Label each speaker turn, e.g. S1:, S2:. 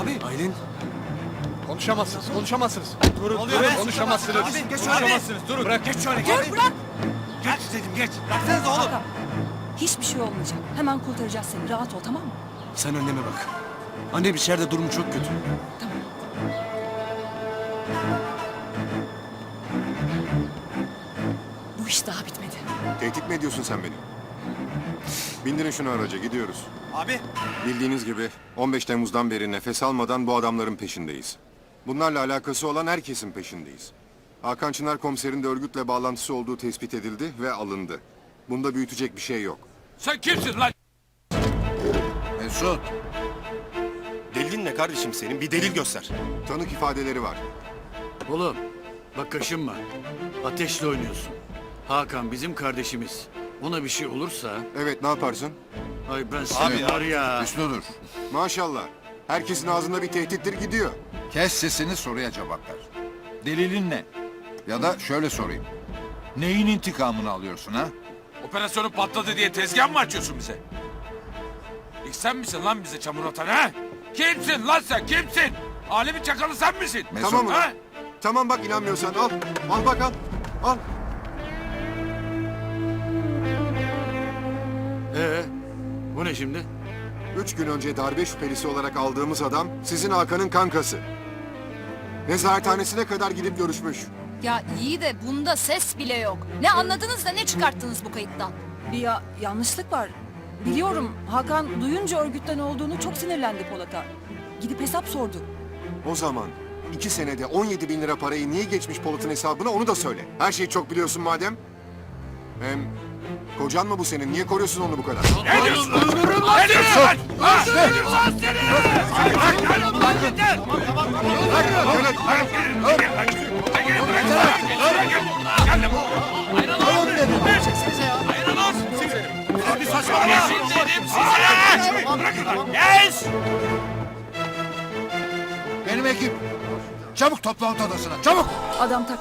S1: Abi.
S2: Aylin.
S3: Konuşamazsınız. Durun, konuşamazsınız.
S1: Abi geç şöyle.
S3: Konuşamazsınız, durun.
S1: Bırak. Geç şöyle.
S4: Dur bırak.
S1: Geç dedim geç. Bıraksanıza oğlum.
S4: Hakan, hiçbir şey olmayacak. Hemen kurtaracağız seni. Rahat ol, tamam mı?
S2: Sen anneme bak. Annem içeride durumu çok kötü.
S4: Tamam. Bu iş daha bitmedi.
S5: Tehdit mi ediyorsun sen beni? Bindirin şunu araca, gidiyoruz.
S1: Abi.
S5: Bildiğiniz gibi 15 Temmuz'dan beri nefes almadan bu adamların peşindeyiz. Bunlarla alakası olan herkesin peşindeyiz. Hakan Çınar komiserin de örgütle bağlantısı olduğu tespit edildi ve alındı. Bunda büyütecek bir şey yok.
S6: Sen kimsin lan?
S7: Mesut.
S8: Delilin ne kardeşim senin? Bir delil göster.
S5: Tanık ifadeleri var.
S7: Oğlum bak kaşınma. Ateşle oynuyorsun. Hakan bizim kardeşimiz. Ona bir şey olursa...
S5: Evet, ne yaparsın?
S7: Ay ben seni var ya...
S9: Hüsnü dur.
S5: Maşallah. Herkesin ağzında bir tehdittir gidiyor.
S9: Kes sesini, soruya cevap ver. Delilin ne? Ya da şöyle sorayım. Neyin intikamını alıyorsun ha?
S6: Operasyonu patladı diye tezgah mı açıyorsun bize? İlk sen misin lan bize çamur atan ha? Kimsin lan sen kimsin? Alemin çakalı sen misin?
S9: Mesut.
S5: Tamam
S6: Ha?
S5: ulan. Tamam bak, inanmıyorsan al. Al bak al. Al.
S7: Bu ne şimdi?
S5: 3 gün önce darbe şüphelisi olarak aldığımız adam sizin Hakan'ın kankası. Nezarethanesine kadar gidip görüşmüş.
S10: Ya iyi de bunda ses bile yok. Ne anladınız da ne çıkarttınız bu kayıttan?
S4: Bir yanlışlık var. Biliyorum, Hakan duyunca örgütten olduğunu çok sinirlendi Polat'a. Gidip hesap sordu.
S5: O zaman 2 senede 17 bin lira parayı niye geçmiş Polat'ın hesabına onu da söyle. Her şeyi çok biliyorsun madem. Hem kocan mı bu senin? Niye koruyorsun onu bu kadar?
S6: Ne diyorsun lan? Ne diyorsun lan? Ha? Ne diyorsun lan seni?
S1: Abi saçmalama.
S6: Yes!
S9: Benim ekip. Çabuk toplantı odasına, çabuk!
S4: Adam